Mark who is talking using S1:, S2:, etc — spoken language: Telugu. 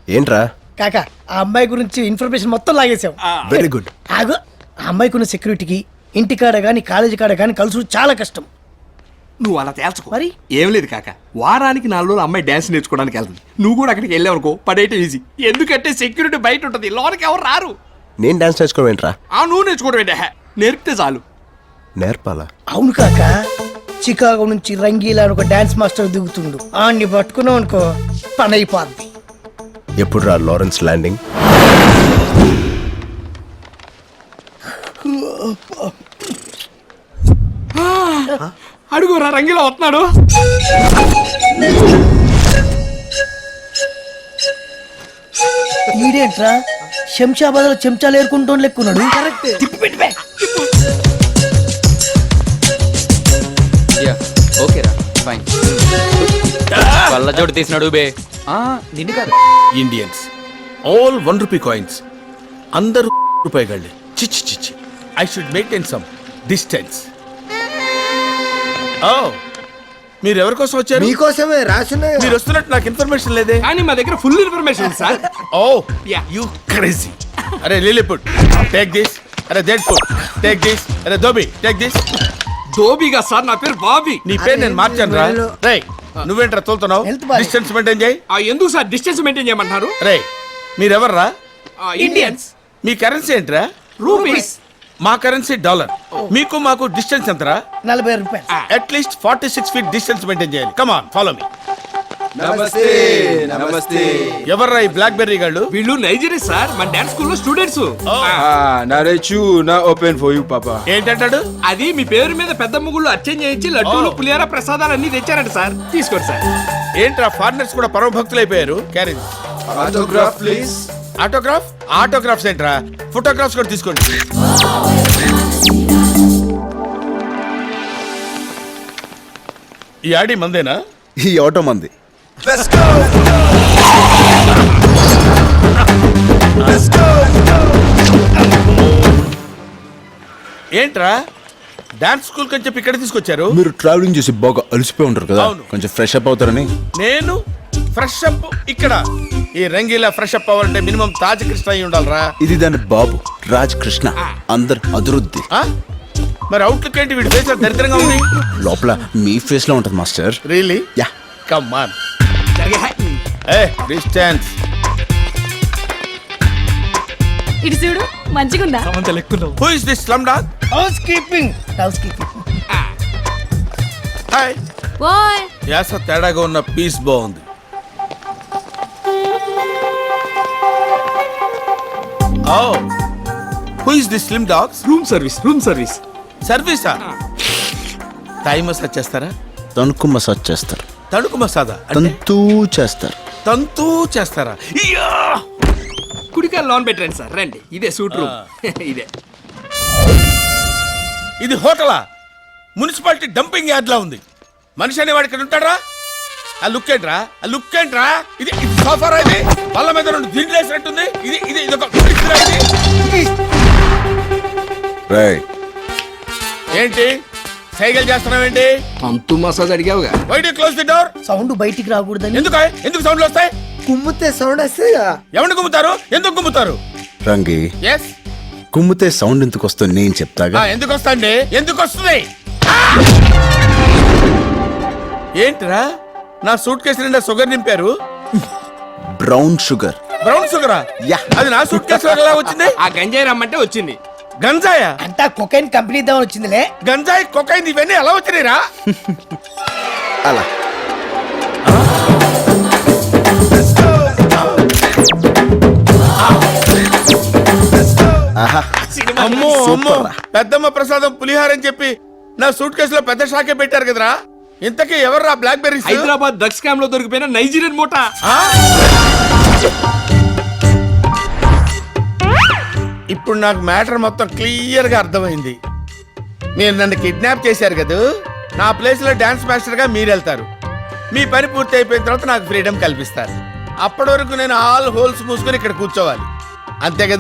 S1: ఏంట్రా?
S2: కాకా ఆ అమ్మాయి గురించి ఇన్ఫర్మేషన్ మొత్తం లాగేశాం.
S1: Very good.
S2: ఆగు, ఆ అమ్మాయికి ఉన్న సెక్యూరిటీకి ఇంటికాడ కానీ కాలేజీ కాడ కానీ కలుసు చాలా కష్టం.
S3: నువ్వు అలా తేల్చుకో.
S2: మరి
S3: ఏం లేదు కాక, వారానికి 4 రోజులు అమ్మాయి డాన్స్ నేర్చుకోవడానికి వెళ్తుంది. నువ్వు కూడా అక్కడికి వెళ్ళావనుకో పడేయటం ఈజీ. ఎందుకంటే సెక్యూరిటీ బయట ఉంటుంది, లోనికి ఎవరు రారు.
S1: నేను డాన్స్ నేర్చుకోవడం ఏంట్రా?
S3: నువ్వు నేర్చుకోవడం ఏంటే, నేర్పితే చాలు.
S1: నేర్పాలా?
S2: అవును కాక, చికాగో నుంచి రంగీలా అని ఒక డాన్స్ మాస్టర్ దిగుతుండు. ఆడిని పట్టుకున్నావు అనుకో పని అయిపోద్ది.
S1: ఎప్పుడు రా లారెన్స్ ల్యాండింగ్?
S3: అడుగురా, రంగిలో వస్తున్నాడు.
S2: ఈడేంట్రా శంషాబాద్ లో చెంచాలు ఏరుకుంటూ లెక్కున్నాడు.
S4: ఓకేరా ఫైన్. కళ్ళ జోడు తీసినాడు బే. నిన్ను కాదు,
S5: ఇండియన్స్ ఆల్ 1 రూపీ కాయిన్స్. అందరూ రూపాయిగాళ్ళే. చిచ్చి చిచ్చి. I should maintain some distance. ఓ, మీరు ఎవరి కోసం వచ్చారు?
S6: మీకోసమే రాసున్నాయి.
S5: మీరు వస్తున్నట్టు నాకు ఇన్ఫర్మేషన్ లేదే.
S3: కానీ మా దగ్గర full information sir.
S5: Oh you crazy. అరే లిలీపుట్ టేక్ దిస్. అరే జెడ్పుట్ టేక్ దిస్. అరే దోబి టేక్ దిస్.
S3: దోబిగా సార్, నా పేరు బాబీ.
S5: నీ పేరు నేను మార్చాను రా. రేయ్, నువ్వేంట్రా తోలుతున్నావు?
S2: Health బాగాలేదు.
S5: డిస్టెన్స్ మెయింటైన్ చేయి.
S3: ఎందుకు సార్ డిస్టెన్స్ మెయింటైన్ చేయమంటున్నారు?
S5: రేయ్, మీరెవర్రా?
S3: ఇండియన్స్.
S5: మీ కరెన్సీ ఏంట్రా?
S3: రూపీస్.
S5: మా కరెన్సీ డాలర్. మీకు మాకు డిస్టెన్స్ ఎంతరా?
S2: 40 రూపాయలు.
S5: అట్లీస్ట్ 46 feet డిస్టెన్స్ మెయింటైన్ చేయాలి. Come on, follow me.
S6: నమస్తే నమస్తే.
S5: ఎవర్రా ఈ బ్లాక్ బెర్రీ గాళ్ళు?
S3: వీళ్ళు నైజీరియా సార్, మన డాన్స్ స్కూల్లో స్టూడెంట్స్.
S6: నరేచు నా ఓపెన్ ఫర్ యూ పాపా.
S5: ఏంటంటాడు?
S3: అది మీ పేరు మీద పెద్ద ముగ్గులు అర్చన చేయించి లడ్డూలు పులిహార ప్రసాదాలు అన్ని తెచ్చారంట సార్. తీసుకోండి సార్.
S5: ఏంట్రా ఫారినర్స్ కూడా పరమ భక్తులు అయిపోయారు. క్యారేజ్
S6: ఆటోగ్రాఫ్ ప్లీజ్.
S5: ఆటోగ్రాఫ్? ఆటోగ్రాఫ్స్ ఏంట్రా? ఫోటోగ్రాఫ్స్ కూడా తీసుకోండి. ఈ ఆడి మందేనా?
S1: ఈ ఆటో మంది.
S5: ఏంట్రా డాన్స్ స్కూల్ కని చెప్పి ఇక్కడ తీసుకొచ్చారు?
S1: మీరు ట్రావెలింగ్ చేసి బాగా అలసిపోయి ఉంటారు కదా,
S5: అవును.
S1: కొంచెం ఫ్రెష్ అప్ అవుతారని.
S5: నేను ఫ్రెష్ అప్ ఇక్కడ? ఈ రంగీలా ఫ్రెష్ అప్ అవ్వాలంటే మినిమం తాజ్ కృష్ణ అయి ఉండాలరా.
S1: ఇది దాని బాబు రాజ్ కృష్ణ. అందరు అదురుద్ది.
S5: ఆ? మరి అవుట్లుక్ ఏంటి? వీడి ఫేస్ దరిద్రంగా ఉంది.
S1: లోపల మీ ఫేస్ లో ఉంటది master.
S5: Really?
S1: Yeah.
S5: Come on. A distance.
S7: ఇటు చూడు మంచిగుందా?
S5: Who is this slum dog?
S2: Housekeeping.
S5: Hi.
S7: ఓయ్
S5: యాస తేడాగా ఉన్న పీస్ బాగుంది. Oh, who is this slim dogs?
S3: Room service, room service.
S5: సర్వీసా? థాయ్ మసాజ్ చేస్తారా?
S1: తణుకు మసాజ్ చేస్తారు.
S5: తణుకు మసాదా?
S1: తంతూ చేస్తారు.
S5: తంతూ చేస్తారా? ఇయ్యా!
S3: కుడికాయ లోన్ పెట్టండి సార్, రండి. ఇదే సూట్ రూమ్. ఇదే.
S5: ఇది హోటలా? మున్సిపాలిటీ డంపింగ్ యార్డ్ లా ఉంది. మనిషి అనేవాడు ఇక్కడ ఉంటాడా? ఆ లుక్ ఏంట్రా? ఆ లుక్ ఏంట్రా? ఇది సోఫారా? ఇది బల్ల మీద 2 దిండ్లు వేసినట్టుంది. ఇది ఇది ఇది ఒక
S1: రైట్.
S5: ఏంటి సైకిల్ చేస్తున్నావేంటి?
S3: అంతు మసాజ్ అడిగావుగా.
S5: Why do close the door?
S2: Sound బయటికి రాకూడదని.
S5: ఎందుకు సౌండ్లు వస్తాయి?
S6: కుమ్మితే సౌండ్ వస్తే
S5: ఎవరిని గుమ్ముతారు? ఎందుకు గుమ్ముతారు?
S1: రంగి,
S5: ఎస్.
S1: కుమ్మితే సౌండ్ ఎందుకు వస్తుంది నేను చెప్తాగా.
S5: ఎందుకు వస్తాండి? ఎందుకు వస్తుంది? ఏంట్రా నా సూట్ కేసు నిండా షుగర్ నింపారు?
S1: Brown sugar.
S5: బ్రౌన్ షుగరా?
S1: యా.
S5: అది నా సూట్ కేసు ఎలా వచ్చింది?
S3: ఆ గంజాయి రమ్మంటే వచ్చింది.
S5: గంజాయా?
S2: అంతా కొకైన్ కంపెనీ ఇద్దామని వచ్చిందిలే.
S5: గంజాయి కొకైన్ ఇవన్నీ ఎలా వచ్చినాయిరా?
S1: అలా
S5: అమ్మో అమ్మో, పెద్దమ్మ ప్రసాదం పులిహార అని చెప్పి నా సూట్ కేసులో పెద్ద షాకే పెట్టారు కదరా. ఇంతకీ ఎవర్రా black berries?
S3: Hyderabad drugs scam లో దొరికిపోయిన నైజీరియన్ మూట.
S5: ఇప్పుడు నాకు మ్యాటర్ మొత్తం క్లియర్ గా అర్థమైంది. మీరు నన్ను కిడ్నాప్ చేశారు కదా, నా ప్లేస్ లో డాన్స్ మాస్టర్ గా మీరు వెళ్తారు. మీ పని పూర్తి అయిపోయిన తర్వాత నాకు ఫ్రీడమ్ కల్పిస్తారు. అప్పటి వరకు నేను ఆల్ హోల్స్ మూసుకొని ఇక్కడ కూర్చోవాలి, అంతే కదా?